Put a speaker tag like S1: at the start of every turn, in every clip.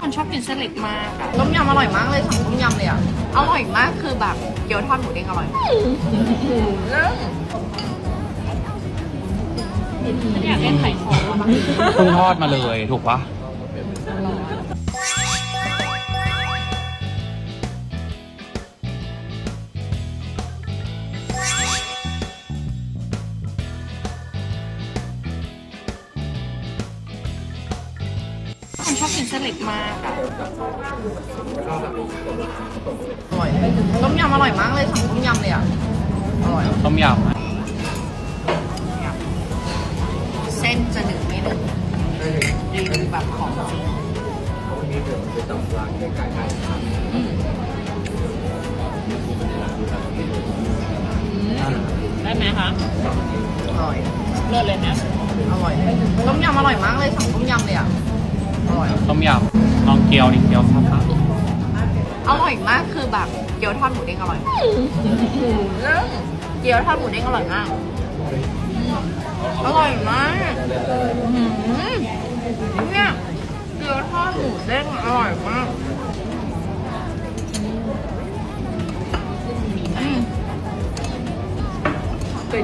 S1: คนชอบกินเส้นเล็กมากอะต้มยำอร่อยมากเลยสั่งต้มยำเลยอะอร่อยมากคือแบบเกี๊ยวทอดหมูเด้งอร่อยมากอยากเล่นไข่ทอด
S2: เพิ่งทอดมาเลยถูกปะ
S1: คนชอบกินเส้นเล็กมากอะอร่อยต้มยำอร่อยมากเลยสั่งต้มยำเลยอะอร่อย
S2: ต้มยำอะ
S1: เส้นจะหนึบไม่หนึบรีวิวแบบของจริงได้ไหมคะอร่อยเลิศเลยนะอร่อยต้มยำอร่อยมากเลยสั่งต้มยำเลยอ่ะอร่อย
S2: ต้มยำลองเกี๊ยวดิเกี๊ยวซับปะ
S1: อร่อยมากคือแบบเกี๊ยวทอดหมูเด้งอร่อยมากเกี๊ยวทอดหมูเด้งอร่อยมากอร่อยมากเนี่ยเกี๊ยวทอดหมูเด้งอร่อยมากเป็น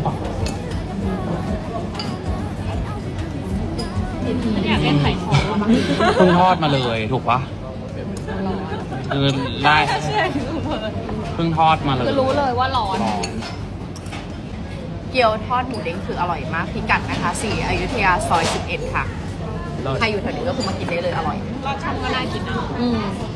S1: อยากเล่นไข่ทอด
S2: เพิ่งทอดมาเลยถูกปะคือได้เพิ่งทอดมาเลย
S1: คือรู้เลยว่าร้อน
S2: ร้อน
S1: เกี๊ยวทอดหมูเด้งคืออร่อยมากพิกัดนะคะ4อยุธยาซอย11ค่ะใครอยู่แถวนี้ก็คือมากินได้เลยอร่อยรสชาติก็น่ากินนะ